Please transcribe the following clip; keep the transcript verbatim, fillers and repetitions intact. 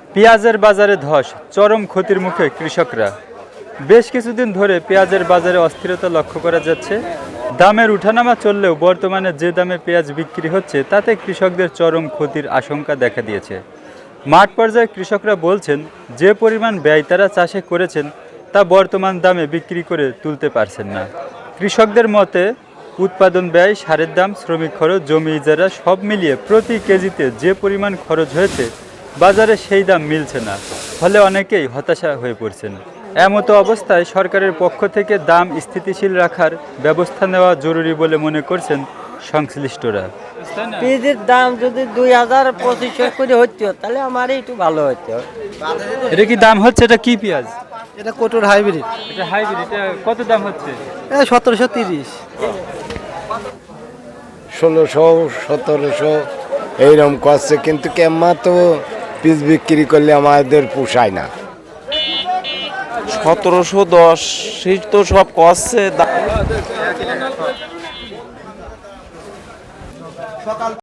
পেঁয়াজের বাজারে ধস, চরম ক্ষতির মুখে কৃষকরা। বেশ কিছুদিন ধরে পেঁয়াজের বাজারে অস্থিরতা লক্ষ্য করা যাচ্ছে। দামের উঠানামা চললেও বর্তমানে যে দামে পেঁয়াজ বিক্রি হচ্ছে তাতে কৃষকদের চরম ক্ষতির আশঙ্কা দেখা দিয়েছে। মাঠ পর্যায়ে কৃষকরা বলছেন, যে পরিমাণ ব্যয় তারা চাষে করেছেন তা বর্তমান দামে বিক্রি করে তুলতে পারছেন না। কৃষকদের মতে উৎপাদন ব্যয়, সারের দাম, শ্রমিক খরচ, জমি ইজারা সব মিলিয়ে প্রতি কেজিতে যে পরিমাণ খরচ হয়েছে বাজারে সেই দাম মিলছে না, ফলে অনেকেই হতাশা হয়ে পড়ছেন। এমতো অবস্থায় সরকারের পক্ষ থেকে দাম স্থিতিশীল রাখার ব্যবস্থা নেওয়া জরুরি বলে মনে করছেন সংশ্লিষ্টরা। পেঁয়াজের দাম যদি দুই হাজার পঁচিশশো করে হতো তাহলে আমার একটু ভালো হতো। এটা কি দাম হচ্ছে? এটা কি পেঁয়াজ? এটা কোটোর হাইব্রিড। এটা হাইব্রিড। এটা কত দাম হচ্ছে? এটা সতেরোশো তিরিশ। ষোলোশো সতেরোশো এইরকম করছে, কিন্তু কেমন তো পিস বিক্রি করলে আমাদের পোষায় না। সতেরোশো দশ তো সব করছে।